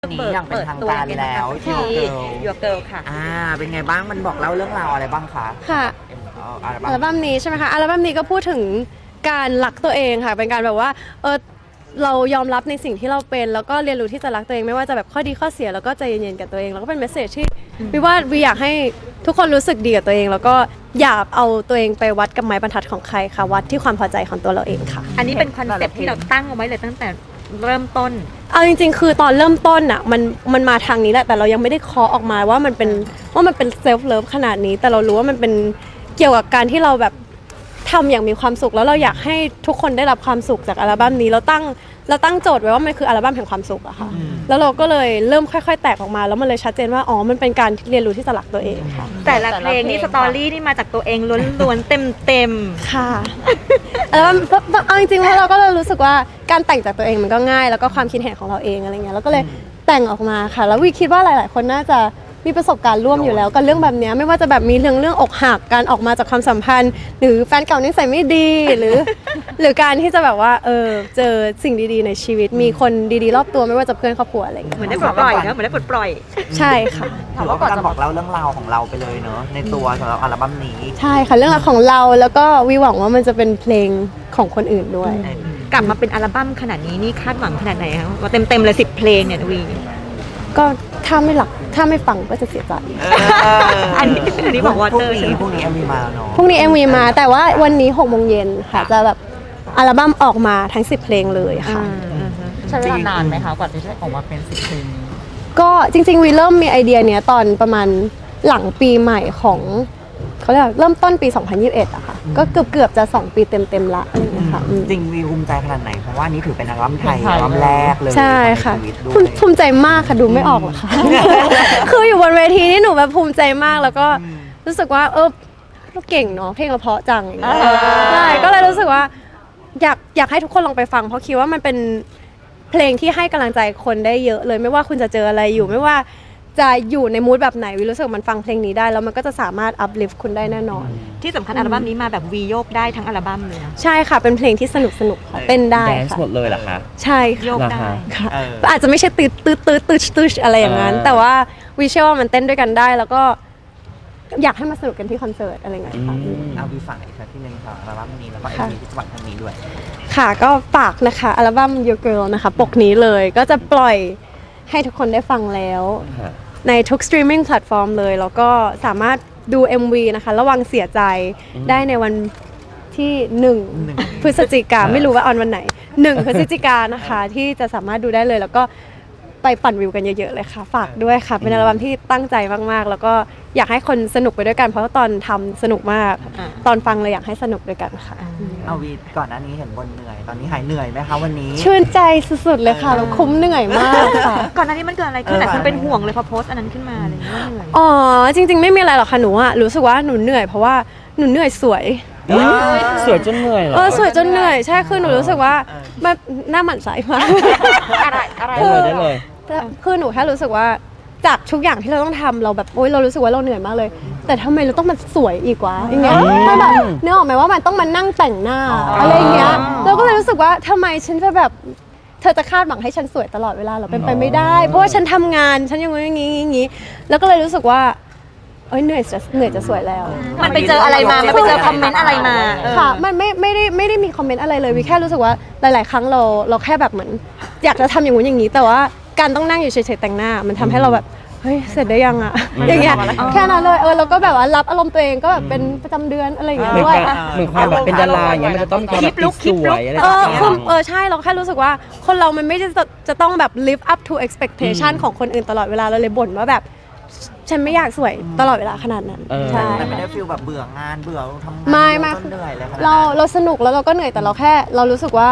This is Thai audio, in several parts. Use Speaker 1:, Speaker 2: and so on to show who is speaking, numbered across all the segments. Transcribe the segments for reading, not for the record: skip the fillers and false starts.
Speaker 1: นี้อย่างเป็นทางการแล้ว
Speaker 2: ที่ Your Girl ค่ะ
Speaker 1: เป็นไงบ้างมันบอกเล่าเรื่องราวอะไรบ้างคะ
Speaker 3: ค่ะอัลบั้มนี้ใช่ไหมคะอัลบั้มนี้ก็พูดถึงการรักตัวเองค่ะเป็นการแบบว่าเรายอมรับในสิ่งที่เราเป็นแล้วก็เรียนรู้ที่จะรักตัวเองไม่ว่าจะแบบข้อดีข้อเสียแล้วก็ใจเย็นๆกับตัวเองแล้วก็เป็นเมสเสจที่วิอยากให้ทุกคนรู้สึกดีกับตัวเองแล้วก็อย่าเอาตัวเองไปวัดกับไม้บรรทัดของใครค่ะวัดที่ความพอใจของตัวเราเองค่ะ
Speaker 2: อันนี้เป็นคอนเซ็ปต์ที่เราตั้งเอาไว้เลยตั้งแต่เริ่มต้น
Speaker 3: เอาจริงๆคือตอนเริ่มต้นอ่ะมันมาทางนี้แหละแต่เรายังไม่ได้เคาะออกมาว่ามันเป็นเซลฟ์เลิฟขนาดนี้แต่เรารู้ว่ามันเป็นเกี่ยวกับการที่เราแบบทำอย่างมีความสุขแล้วเราอยากให้ทุกคนได้รับความสุขจากอัลบั้มนี้เราตั้งโจทย์ไว้ว่ามันคืออัลบั้มแห่งความสุขอะค่ะแล้วเราก็เลยเริ่มค่อยๆแตกออกมาแล้วมันเลยชัดเจนว่าอ๋อมันเป็นการเรียนรู้ที่จะรักตัวเองค่ะ
Speaker 2: แต่ละเพลงนี่สตอรี่นี่มาจากตัวเองล้วนๆเต็ม
Speaker 3: ค่ะแล้วเอาจริงๆแล้วเราก็เลยรู้สึกว่าการแต่งจากตัวเองมันก็ง่ายแล้วก็ความคิดเห็นของเราเองอะไรเงี้ยแล้วก็เลยแต่งออกมาค่ะแล้ววิคิดว่าหลายๆคนน่าจะมีประสบการณ์ร่วมอยู่แล้วกับเรื่องแบบนี้ไม่ว่าจะแบบมีเรื่องอกหักการออกมาจากความสัมพันธ์หรือแฟนเก่านิสัยไม่ดีหรือการที่จะแบบว่าเจอสิ่งดีๆในชีวิตมีคนดีๆรอบตัวไม่ว่าจะเพื่อนครอบครัวอะไรอย่างเงี้ย
Speaker 2: เหมือนได้ปลดปล่อยนะเหมือนได้ปลดปล่อย
Speaker 3: ใช่ค่ะ
Speaker 1: ถือว่าการบอกเล่าเรื่องราวของเราไปเลยเนอะในตัวสำหรับอัลบั้มนี้
Speaker 3: ใช่ค่ะเรื่องราวของเราแล้วก็วิหวังว่ามันจะเป็นเพลงของคนอื่นด้วย
Speaker 2: กลับมาเป็นอัลบั้มขนาดนี้นี่คาดหวังขนาดไหนคะว่าเต็มเลย10 เพลงเนี่ยวี
Speaker 3: ก็ถ้าไม่ฟังก็จะเสียใจ
Speaker 2: อันนี้บอกว่า
Speaker 1: พรุ่งนี้ MV มาแล้วเนาะ
Speaker 3: พรุ่งนี้ MV มาแต่ว่าวันนี้6 โมงเย็นค่ะจะแบบอัลบั้มออกมาทั้ง10 เพลงเลยค่ะ
Speaker 4: ใช้เวลานานไหมคะกว่าที่จะออกมาเป็น10 เพลง
Speaker 3: ก็จริงๆวีเริ่มมีไอเดียเนี้ยตอนประมาณหลังปีใหม่ของเขาเรียกเริ่มต้นปี 2021อะค่ะก็เกือบจะ2 ปีเต็มๆละอะไรอย่างเงี้ยค่ะ
Speaker 1: จริงวีภูมิใจขนาดไหนเพราะว่านี้ถือเป็นอัลบั้มไทยอัลบั้มแรกเลย
Speaker 3: ใช่ค่ะภูมิใจมากค่ะดูไม่ออกหรอกค่ะคืออยู่บนเวทีนี่หนูแบบภูมิใจมากแล้วก็รู้สึกว่าเราเก่งเนาะเพลงเราเพราะจังอย่างเงี้ยใช่ก็เลยรู้สึกว่าอยากให้ทุกคนลองไปฟังเพราะคิดว่ามันเป็นเพลงที่ให้กำลังใจคนได้เยอะเลยไม่ว่าคุณจะเจออะไรอยู่ไม่ว่าจะอยู่ในมูดแบบไหนวิรู้สึกมันฟังเพลงนี้ได้แล้วมันก็จะสามารถอัพลิฟต์คุณได้แน่นอน
Speaker 2: ที่สำคัญอัลบั้มนี้มาแบบวีโยกได้ทั้งอัลบั้มเลยนะ
Speaker 3: ใช่ค่ะเป็นเพลงที่สนุกค่ะเต้นได้
Speaker 4: ค่ะหมดเลยเหรอคะ
Speaker 3: ใช่
Speaker 2: โยกได้
Speaker 3: ค่ะอาจจะไม่ใช่ตืดอะไรอย่างนั้นแต่ว่าวิเชื่อว่ามันเต้นด้วยกันได้แล้วก็อยากให้มาสนุกกันที่คอนเสิร์ตอะไรเงี้ยค่ะ
Speaker 1: เอาวีฝากอีกสักทีนึงค่ะอัลบั้มนี้แล้วก็MVที่จะปล่อยครั้งนี้ด้วย
Speaker 3: ค่ะก็ฝากนะคะอัลบั้ม Your Girl นะคะปกนี้เลยก็จะปล่อยให้ทุกคนได้ฟังแล้วในทุกสตรีมมิ่งแพลตฟอร์มเลยแล้วก็สามารถดู MV นะคะระวังเสียใจได้ในวันที่1 พฤศจิกาไม่รู้ว่าออนวันไหน1 พฤศจิกานะคะที่จะสามารถดูได้เลยแล้วก็ไปปั่นวิวกันเยอะๆเลยค่ะฝากด้วยค่ะเป็นอัลบั้มที่ตั้งใจมากๆแล้วก็อยากให้คนสนุกไปด้วยกันเพราะว่าตอนทำสนุกมากตอนฟังเลยอยากให้สนุกด้วยกันค่ะ
Speaker 1: เอาวีก่อนหน้านี้เห็นบนเหนื่อยตอนนี้หายเหนื่อยไหมคะวันนี้
Speaker 3: ชื่นใจสุดๆเลยค่ะเราคุ้มเหนื่อยมากค่ะ
Speaker 2: ก่อนหน้านี้มันเกิดอะไรขึ้นหลายคนเป็นห่วงเลยพอโพสต์อันนั้นขึ้นมาอะไรอย่างเงี้ยเหนื่อย
Speaker 3: อ๋อจริงๆไม่มีอะไรหรอกค่ะหนูอะรู้สึกว่าหนูเหนื่อยเพราะว่าหนูเหนื่อยสวย
Speaker 4: สวยจนเหนื่อยเหรอ
Speaker 3: สวยจนเหนื่อยใช่คือหนูรู้สึกว่าแบบหน้าหมั่นไส้มาก
Speaker 2: อะไร
Speaker 4: ได้เลย
Speaker 3: คือหนูแค่รู้สึกว่าจากทุกอย่างที่เราต้องทำเราแบบเรารู้สึกว่าเราเหนื่อยมากเลยแต่ทำไมเราต้องมาสวยอีกวะอย่างเงี้ยมันแบบนึกออกไหมว่ามันต้องมานั่งแต่งหน้าอะไรอย่างเงี้ยเราก็เลยรู้สึกว่าทำไมฉันจะแบบเธอจะคาดหวังให้ฉันสวยตลอดเวลาเราเป็นไปไม่ได้เพราะว่าฉันทำงานฉันอย่างงี้แล้วก็เลยรู้สึกว่าเหนื่อยจะสวยแล้ว
Speaker 2: มันไปเจออะไรมามันไปเจอคอมเมนต์อะไรมา
Speaker 3: ค่ะมันไม่ได้มีคอมเมนต์อะไรเลยวิแค่รู้สึกว่าหลายๆครั้งเราแค่แบบเหมือนอยากจะทำอย่างงู้นอย่างนี้แต่ว่าการต้องนั่งอยู่เฉยๆแต่งหน้ามันทำให้เราแบบเฮ้ยเสร็จได้ยังอะอย่างเงี้ยแค่นั้นเลยเราก็แบบว่ารับอารมณ์ตัวเองก็แบบเป็นประจำเดือนอะไรอย่างเงี้ยด้วย
Speaker 4: เหมือนความแบบเป็นดาราอย่างเงี้ยมันจะต้องมีความแบบสวยอะไรอย่างเงี้ย
Speaker 3: ใช่เราแค่รู้สึกว่าคนเรามันไม่ได้จะต้องแบบ live up to expectation ของคนอื่นตลอดเวลาเราเลยบ่นว่าแบบฉันไม่อยากสวยตลอดเวลาขนาดนั้น
Speaker 1: ใช่แต่ไม่ได้ฟีลแบบเบื่องานเบื่อทำงาน
Speaker 3: ไม่
Speaker 1: เหนื่อยเลย
Speaker 3: เราสนุกแล้วเราก็เหนื่อยแต่เรารู้สึกว่า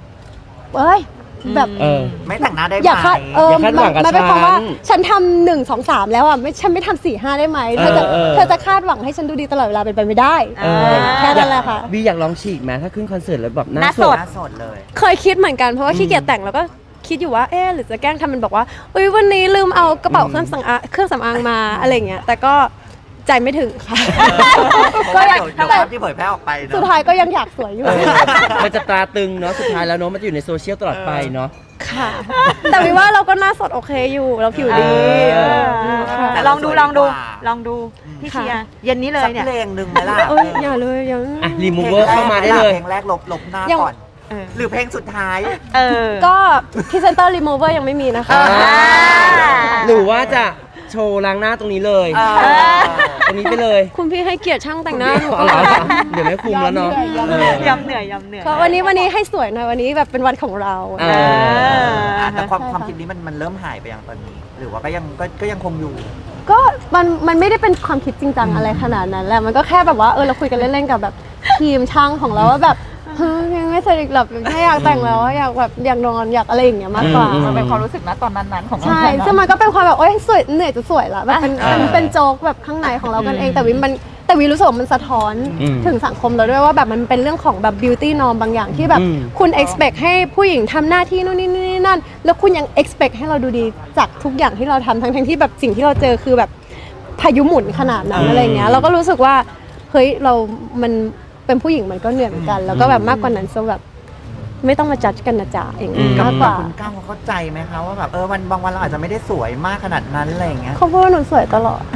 Speaker 3: แบบ
Speaker 1: ไม่แต่งหน้าได้ไหม
Speaker 3: อยากมันเป็นความว่าฉันทำ1 2 3แล้วอ่ะฉันไม่ทำ4 5ได้ไหมเธอจะคาดหวังให้ฉันดูดีตลอดเวลาเป็นไปไม่ได้แค่นั้นแหละค่ะ
Speaker 4: วีอยากลองฉีกไหมถ้าขึ้นคอนเสิร์ตแล้วแบบหน้า
Speaker 1: สดเลย
Speaker 3: เคยคิดเหมือนกันเพราะว่าขี้เกียจแต่งแล้วก็คิดอยู่ว่าหรือจะแกล้งทำมันบอกว่าวันนี้ลืมเอากระเป๋าเครื่องสำอางมาอะไรเงี้ยแต่ก็ใจไม่ถึงค่ะ
Speaker 1: ก็อยากที่เผยแพร่ออกไป
Speaker 3: สุดท้ายก็ยังอยากสวยอยู่
Speaker 4: มันจะตราตึงเนาะสุดท้ายแล้วเนาะมันจะอยู่ในโซเชียลตลอดไปเนาะ
Speaker 3: ค่ะ แต่วิว่าเราก็หน้าสดโอเคอยู่เราผิวดีค่ะ
Speaker 1: แต่
Speaker 2: ล
Speaker 1: เรา
Speaker 2: องดู
Speaker 1: สวย
Speaker 2: ลองดู
Speaker 1: กว่า
Speaker 2: ลองดูพี่
Speaker 3: ค่ะ
Speaker 2: เชียร์เย็นนี้เล
Speaker 1: สั
Speaker 2: ย
Speaker 1: ก
Speaker 2: เนี่ย
Speaker 1: เพลงหนึ่งไหมล่ะ
Speaker 3: เอ้ยอย่าเลยยัง
Speaker 4: อ่ะรีมูเวอร์เข้ามาได้เลย
Speaker 1: เพลงแรกลบหน้า
Speaker 3: ยัง
Speaker 1: ก่อน
Speaker 2: เออ
Speaker 1: หรือเพลงสุดท้าย
Speaker 2: เออ
Speaker 3: ก็พรีเซนเตอร์รีมูเวอร์ยังไม่มีนะคะ
Speaker 4: อ่า หรือว่าจะโชว์ล้างหน้าตรงนี้เลย
Speaker 1: เออ
Speaker 4: ตรงนี้ไปเลย
Speaker 3: คุณพี่ให้เกียรติช่างแต่งหน้าหนู
Speaker 4: เอาเหรอเดี๋ยวไม่คุมแล้วเนาะเออย
Speaker 2: ำเหนื่อยยำเหนื่อย
Speaker 3: ก็วันนี้ให้สวยหน่อยวันนี้แบบเป็นวันของเรา
Speaker 4: อ่า
Speaker 1: แต่ความคิดนี้มันเริ่มหายไปอย่างตอนนี้ หรือว่าก็ยังคงอยู่
Speaker 3: ก็มันไม่ได้เป็นความคิดจริงจังอะไรขนาดนั้นแหละมันก็แค่แบบว่าเราคุยกันเล่นๆกับแบบทีมช่างของเราว่าแบบเฮ้ยยังไม่เสร็จอีกหรอกไม่อยากแต่งแล้วอยากแบบอยากนอนอยากอะไรอย่างเงี้ยมากกว่า
Speaker 1: มันเป็นความรู้สึกนะตอนนั้นของเรา
Speaker 3: ใช่ซึ่งมันก็เป็นความแบบสวยเหนื่อยจะสวยละแบบเป็นโจ๊กแบบข้างในของเรากันเองแต่วิรู้สึกว่ามันสะท้อนถึงสังคมเราด้วยว่าแบบมันเป็นเรื่องของแบบ beauty norm บางอย่างที่แบบคุณ expect ให้ผู้หญิงทำหน้าที่นู่นนี่นั่นแล้วคุณยัง expect ให้เราดูดีจากทุกอย่างที่เราทำทั้งที่แบบสิ่งที่เราเจอคือแบบพายุหมุนขนาดนั้นอะไรเงี้ยเราก็รู้สึกว่าเฮ้ยมันเป็นผู้หญิงมันก็เหนื่อยเหมือนกัน แล้วก็แบบมากกว่านั้นซะแบบไม่ต้องมาจัดกันนะจ๊ะอย่างนี้มากกว่า
Speaker 1: คุณก้าวเขาเข้าใจไหมคะว่าแบบวันบางวันเราอาจจะไม่ได้สวยมากขนาดนั้นอะไรอย่างเงี้ย
Speaker 3: เขาพูดว่าหนูสวยตลอด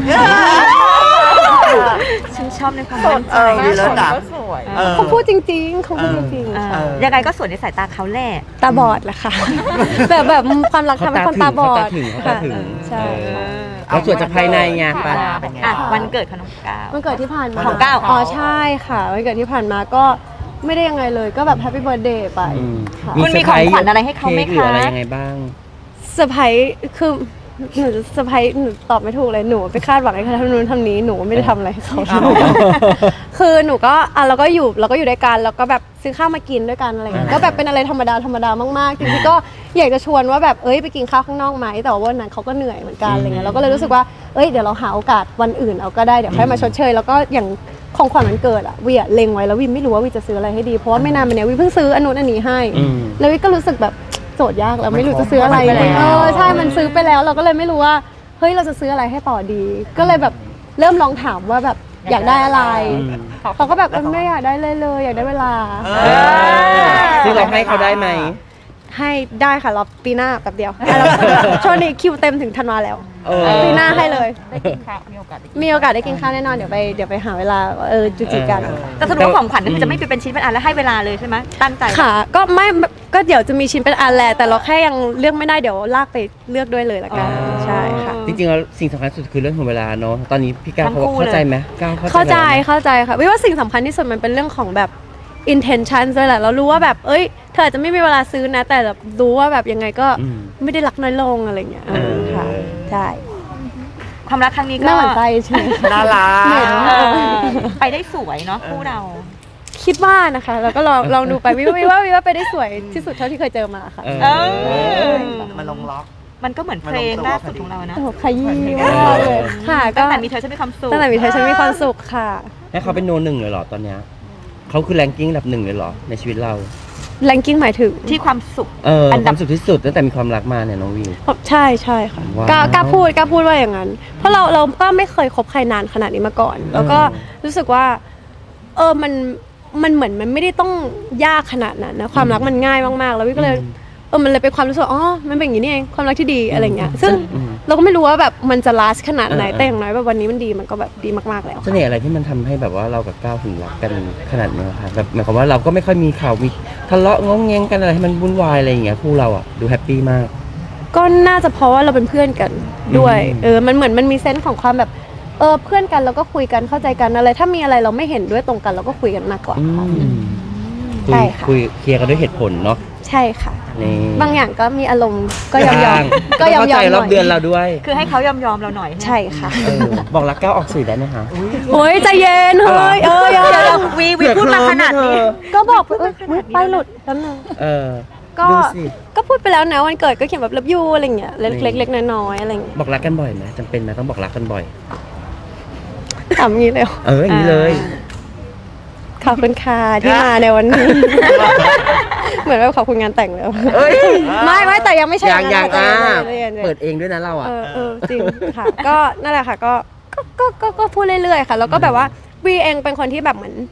Speaker 2: ฉันชอบในความมั่นใจ
Speaker 1: ดีแล้วจ้ะ
Speaker 3: เขาพูดจริงๆเขาพูดจริง
Speaker 2: เออยังไงก็สวยในสายตาเขาแหละ
Speaker 3: ๆตาบอดแหละค่ะ แบบความรักทำให้คนตาบอด
Speaker 4: เขาตาถึง
Speaker 3: ใช่ค่ะ
Speaker 4: เราสวยจากภายในไง
Speaker 1: ป
Speaker 4: ไป
Speaker 1: ลาเป็นไง
Speaker 2: อ่ะ
Speaker 1: บ้าง
Speaker 2: วันเกิดของน้องก้าว
Speaker 3: วันเกิดที่ผ่านมา
Speaker 2: ของก้าว
Speaker 3: อ๋อใช่ค่ะวันเกิดที่ผ่านมาก็ไม่ได้ยังไงเลยก็แบบแฮปปี้เบิร์ดเดย์ไป
Speaker 4: อืม
Speaker 3: ค่ะ
Speaker 2: คุณมีของขวัญอะไรให้เขาไหมคะ
Speaker 4: ค้กรืออะไรยังไงบ้าง
Speaker 3: เซอร์ไพรส์คือหนูจะเซอร์ไพรส์หนูตอบไม่ถูกเลยหนูไปคาดหวังให้เขาทำนู้นทำนี้หนูไม่ได้ทำอะไรให้เขาคือหนูก็เราก็อยู่ด้วยกันแล้วก็แบบซื้อข้าวมากินด้วยกันอะไรเงี้ยก็แบบเป็นอะไรธรรมดามากๆจริงๆก็อยากจะชวนว่าแบบไปกินข้าวข้างนอกไหมแต่ว่าวันนั้นเขาก็เหนื่อยเหมือนกันอะไรเงี้ยเราก็เลยรู้สึกว่าเดี๋ยวเราหาโอกาสวันอื่นเอาก็ได้เดี๋ยวค่อยมาชดเชยแล้วก็อย่างของขวัญวันเกิดอะวิเล็งไว้แล้ววิไม่รู้ว่าวิจะซื้ออะไรให้ดีเพราะว่าไม่นานมาเนี้ยวิเพิ่งซื้ออันนู้นอันนี้ให้ แล้ววิก็รู้สึกแบบโจทย์ยากแล้วไม่รู้จะซื้ออะไร
Speaker 1: มันไปแล้ว
Speaker 3: ใช่มันซื้อไปแล้วเราก็เลยไม่รู้ว่าเฮ้ยเราจะซื้ออะไรให้ต่อดี ก็เลยแบบเริ่มลองถามว่าแบบอยากได้อะไรเขาก็แบบไม่อยากได้เลยอยากได้เวลา
Speaker 4: ซึ่งเราให้เขาได้ไหม
Speaker 3: ให้ได้ค่ะรอปีหน้าแป๊บเดียวช่วงนี้คิวเต็มถึงธันวาแล้ว ปีหน้าให้เลย
Speaker 1: ได้กินข้าวมีโอกาสได้กิน
Speaker 3: มีโอกาสได้กินข้าวแน่นอนเดี๋ยวไปหาเวลาจุจิกัน
Speaker 2: แต่สรุปว่าของขวัญก็คือจะไม่เป็นชิ้นเป็นอันแล้วให้เวลาเลยใช่ไหมตั้งใจ
Speaker 3: ค่ะก็เดี๋ยวจะมีชิ้นเป็นอันแหละแต่เราแค่ยังเลือกไม่ได้เดี๋ยวลากไปเลือกด้วยเลยละกันใช่ค่ะ
Speaker 4: จริงๆแล้วสิ่งสำคัญสุดคือเรื่องของเวลาเนาะตอนนี้พี่ก้าวเขาเข้าใจไหมก้าว
Speaker 3: เข้าใจ
Speaker 4: ไหม
Speaker 3: ค่ะวิว่าสิ่งสำคัญที่สุดมันเป็นเรื่องของแบบ intention ด้วยแหละเรารู้ว่าแบบเธออาจจะไม่มีเวลาซื้อนะ แต่แบบรู้ว่าแบบยังไงก็ไม่ได้รักน้อยลงอะไรเงี้ยค่ะใช่
Speaker 2: ความรักครั้งนี้ก็
Speaker 3: น่าหวั่นใจใช่ไหม
Speaker 1: น่ารัก
Speaker 2: เออไปได้สวยเนาะคู่เรา
Speaker 3: คิดว่านะคะแล้วก็ลองดูไปวิว่าไปได้สวยที่สุดเท่าที่เคยเจอมาค่ะ
Speaker 2: เออ
Speaker 1: มันลงล็อก
Speaker 2: มันก็เหมือนเพลงล่าสุดของเรานะ
Speaker 3: โอ้โหขยี้มากเลยค่ะก็
Speaker 2: ตั้งแต่มีเธอฉันมีความสุข
Speaker 3: ตั้งแต่มีเธอฉันมีความสุขค่ะ
Speaker 4: ให้เขาเป็นโนหนึ่งเลยเหรอตอนเนี้ยเขาคือแรงกิ้งอันดับหนึ่งเลยเหรอในชีวิตเรา
Speaker 3: แรงกิ้งหมายถึง
Speaker 2: ที่ความสุข
Speaker 4: อั
Speaker 2: อั
Speaker 4: น
Speaker 2: นดั
Speaker 4: ดับบ สุดที่สุดตั้งแต่มีความรักมาเนี่ยน้องวิว
Speaker 3: ใช่ค่ะ
Speaker 4: ว้าว
Speaker 3: กล้าพูดว่าอย่างนั้น เพราะเราก็ไม่เคยคบใครนานขนาดนี้มาก่อน แล้วก็รู้สึกว่ามันเหมือนมันไม่ได้ต้องยากขนาดนั้นนะความรักมันง่ายมากๆแล้ววิก็เลยมันเลยเป็นความรู้สึกมันเป็นอย่างนี้นี่เองความรักที่ดีอะไรเงี้ยซึ่งเราก็ไม่รู้ว่าแบบมันจะ last ขนาดไหนแต่อย่างน้อยแบบวันนี้มันดีมันก็แบบดีมากๆแล้ว
Speaker 4: เสน่ห์อะไรที่มันทำให้แบบว่าเรากับก้าวถึงรักกันขนาดนี้คะแบบหมายความว่าเราก็ไม่ค่อยมีข่าวมีทะเลาะงองแงงกันอะไรให้มันวุ่นวายอะไรอย่างเงี้ยคู่เราอ่ะดูแฮปปี้มาก
Speaker 3: ก็น่าจะเพราะว่าเราเป็นเพื่อนกันด้วยมันเหมือนมันมีเซนส์ของความแบบเพื่อนกันแล้วก็คุยกันเข้าใจกันอะไรถ้ามีอะไรเราไม่เห็นด้วยตรงกันเราก็คุยกันมากกว่าค่ะ ใช่ค่ะ
Speaker 4: คุยเคลียร์กันด้วยเหตุผลเนาะ
Speaker 3: ใช่ค่ะ
Speaker 4: นี่
Speaker 3: บางอย่างก็มีอารมณ์ก็ยอมก็ยอม
Speaker 4: เข้าใจ
Speaker 3: ห
Speaker 4: ร
Speaker 3: น่
Speaker 4: อบ
Speaker 3: อย
Speaker 4: เดือนเราด้วย
Speaker 2: คือให้เขายอมเราหน่อย
Speaker 3: ใช่ค่ะ
Speaker 4: บอกรักก้าวออกสื่อได้ไหมคะ
Speaker 3: โอ้ยใจเย็นเฮ้ย
Speaker 2: เดี๋
Speaker 3: ยัง
Speaker 2: ยววีพูดมาขนาดนี้
Speaker 3: ก็บอกไปหลุดแป๊บนึง ก็
Speaker 4: ดูสิ
Speaker 3: ก็พูดไปแล้วนะวันเกิดก็เขียนแบบเลิฟยูอะไรเงี้ยเล็กๆน้อยๆอะไรเงี้ย
Speaker 4: บอกรักกันบ่อยไหมจำเป็นไหมต้องบอกรักกันบ่อย
Speaker 3: ถามอย่างนี้เลย
Speaker 4: อย่างนี้เลย
Speaker 3: ขอบคุณค่ะที่มาในวันนี้ เหมือนว่าขอบคุณงานแต่งแล้วไม่แต่ยังไม่ใช่
Speaker 4: ยัง
Speaker 3: ใจเย็น
Speaker 4: เปิดเองด้วยนะเราอ่ะ
Speaker 3: จริงค่ะ ก็นั่นแหละค่ะก็พูดเรื่อยๆค่ะ แล้วก็แบบว่าวีเองเป็นคนที่แบบเหมือน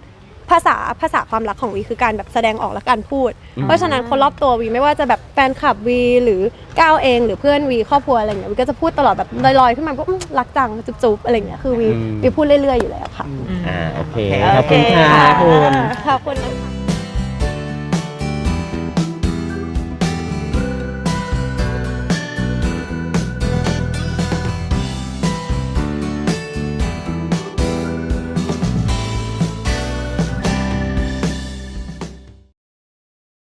Speaker 3: ภาษาความรักของวีคือการแบบแสดงออกและการพูด
Speaker 4: อืม
Speaker 3: เพราะฉะนั้นคนรอบตัววีไม่ว่าจะแบบแฟนคลับวีหรือก้าวเองหรือเพื่อนวีครอบครัวอะไรเงี้ยวีก็จะพูดตลอดแบบลอยๆขึ้นมาก็รักจังจุ๊บๆอะไรเงี้ยคือวีพูดเรื่อยๆอยู่แล้วค่ะ
Speaker 4: โอเคขอบคุณค่ะคุณ
Speaker 3: ขอบคุณนะคะ